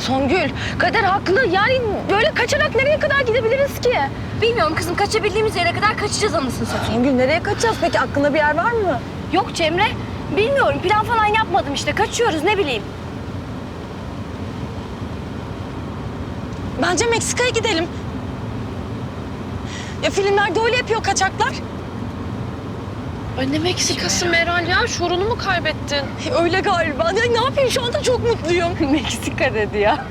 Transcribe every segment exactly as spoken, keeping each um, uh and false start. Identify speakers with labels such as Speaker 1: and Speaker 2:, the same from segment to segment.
Speaker 1: Songül, Kader haklı. Yani böyle kaçarak nereye kadar gidebiliriz ki?
Speaker 2: Bilmiyorum kızım, kaçabildiğimiz yere kadar kaçacağız anasını satayım.
Speaker 1: Songül nereye kaçacağız peki? Aklında bir yer var mı?
Speaker 2: Yok Cemre, bilmiyorum. Plan falan yapmadım işte. Kaçıyoruz, ne bileyim.
Speaker 1: Bence Meksika'ya gidelim. Ya filmlerde öyle yapıyor kaçaklar.
Speaker 3: Ay ne Meksikası Meral ya? Şuurunu mu kaybettin?
Speaker 1: Öyle galiba. Ya ne yapayım, şu anda çok mutluyum.
Speaker 2: Meksika dedi ya.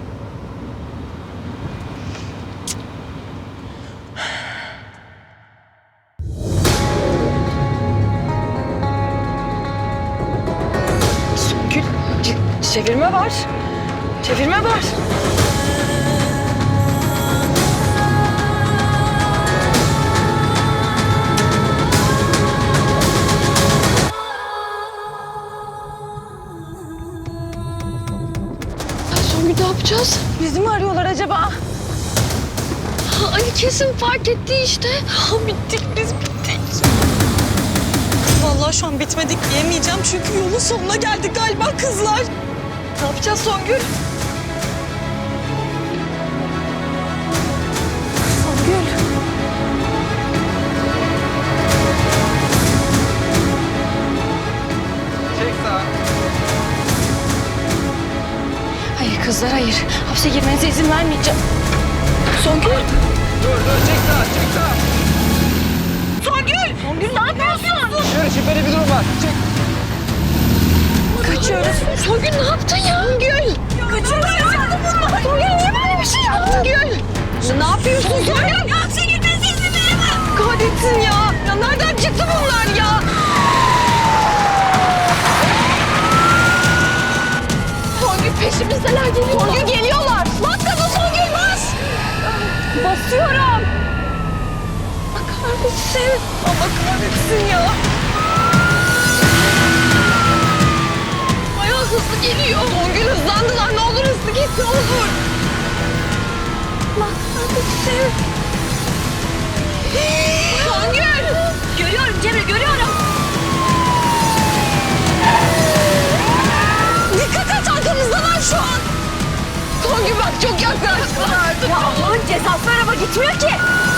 Speaker 1: Songül, ç- çevirme var. Çevirme var.
Speaker 3: Songül ne yapacağız?
Speaker 1: Bizi mi arıyorlar acaba?
Speaker 3: Ha, Ali kesin fark etti işte. Ha, bittik biz bittik.
Speaker 1: Vallahi şu an bitmedik diyemeyeceğim çünkü yolun sonuna geldik galiba kızlar. Ne yapacağız Songül? Songül.
Speaker 4: Çek sağa.
Speaker 2: Hayır kızlar, hayır. Hapse girmenize izin vermeyeceğim. Songül!
Speaker 4: Dur dur çek sağa çek sağa.
Speaker 2: Songül! Songül ne yapıyorsun?
Speaker 4: Şöyle şüpheli bir durum var. Çek.
Speaker 2: Kaçıyoruz.
Speaker 3: Songül ne yaptın ya?
Speaker 2: Songül! Kaçıyoruz. Songül niye böyle bir şey yaptın? Songül!
Speaker 1: Ne yapıyorsun Songül?
Speaker 2: Ya hapse girmenize izin veremem.
Speaker 1: Kahretsin ya. Ya nereden çıktı bunlar ya?
Speaker 3: Songül peşimizdeler geliyor.
Speaker 1: Songül geliyorlar. Bas gaza Songül bas. Basıyorum. Kahretsin. Allah kahretsin ya.
Speaker 3: Bayağı hızlı geliyor.
Speaker 1: Songül hızlandılar. Ne olur hızlı git ne olur. Allah kahretsin. Songül.
Speaker 2: Görüyorum Cemre, görüyorum.
Speaker 1: Dikkat et arkamızdalar şu an. Songül bak çok yaklaştılar.
Speaker 2: Ya Allah'ın cezası, araba gitmiyor ki.